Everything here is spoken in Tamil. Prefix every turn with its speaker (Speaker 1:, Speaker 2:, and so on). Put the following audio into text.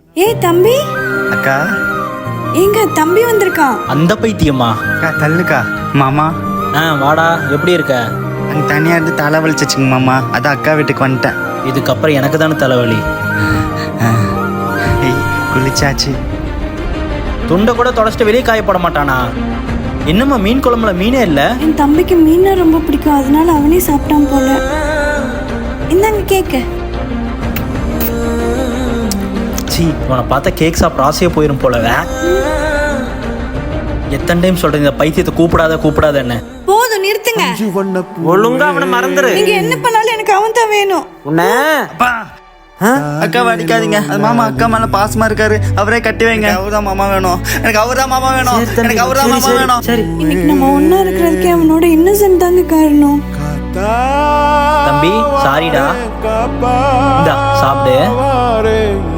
Speaker 1: ஏய் தம்பி.
Speaker 2: அக்கா.
Speaker 1: எங்க தம்பி வந்திருக்கான்.
Speaker 3: அந்த பைத்தியம்மா.
Speaker 2: அக்கா தள்ளுக்கா. மாமா.
Speaker 3: வாடா, எப்படி இருக்க?
Speaker 2: அங்கே தனியாக இருந்து தலை வலிச்சிச்சுங்க மாமா, அதான் அக்கா வீட்டுக்கு வந்துட்டேன்.
Speaker 3: இதுக்கப்புறம் எனக்கு தானே தலைவலி.
Speaker 2: குளிச்சாச்சு.
Speaker 3: துண்டை கூட தொடச்சிட்டு வெளியே காயப்பட மாட்டானா? என்னம்மா மீன் குழம்புல மீனே இல்லை?
Speaker 1: என் தம்பிக்கு மீனை ரொம்ப பிடிக்கும், அதனால அவனே சாப்பிட்டான் போல. இந்தாங்க கேக்கு.
Speaker 3: சி, இவனை பார்த்தா கேக் சாப்பிட ஆசையாக போயிடும் போலவே. எத்தனை டைம் சொல்றேன் இந்த பைத்தியத்தை கூப்பிடாத என்ன?
Speaker 1: போதும் நிறுத்துங்க.
Speaker 4: ஒழுங்கா அவனை மறந்துரு.
Speaker 1: நீங்க என்ன பண்ணாலும் எனக்கு அவன் தான் வேணும்.
Speaker 4: உன்ன
Speaker 2: அக்கா அடிக்காதீங்க. அது மாமா அக்கா மேல பாசமா இருக்காரு, அவரே கட்டி வைங்க. அவர்தான் மாமா வேணும், எனக்கு அவர்தான் மாமா வேணும், எனக்கு அவர்தான் மாமா வேணும்.
Speaker 4: சரி,
Speaker 1: இன்னைக்கு நம்ம ஒன்னா இருக்கிறதுக்கு அவனோட இன்னசென்ட் தாங்க காரணம்.
Speaker 3: தம்பி சாரிடா, இந்தா சாப்பிடு.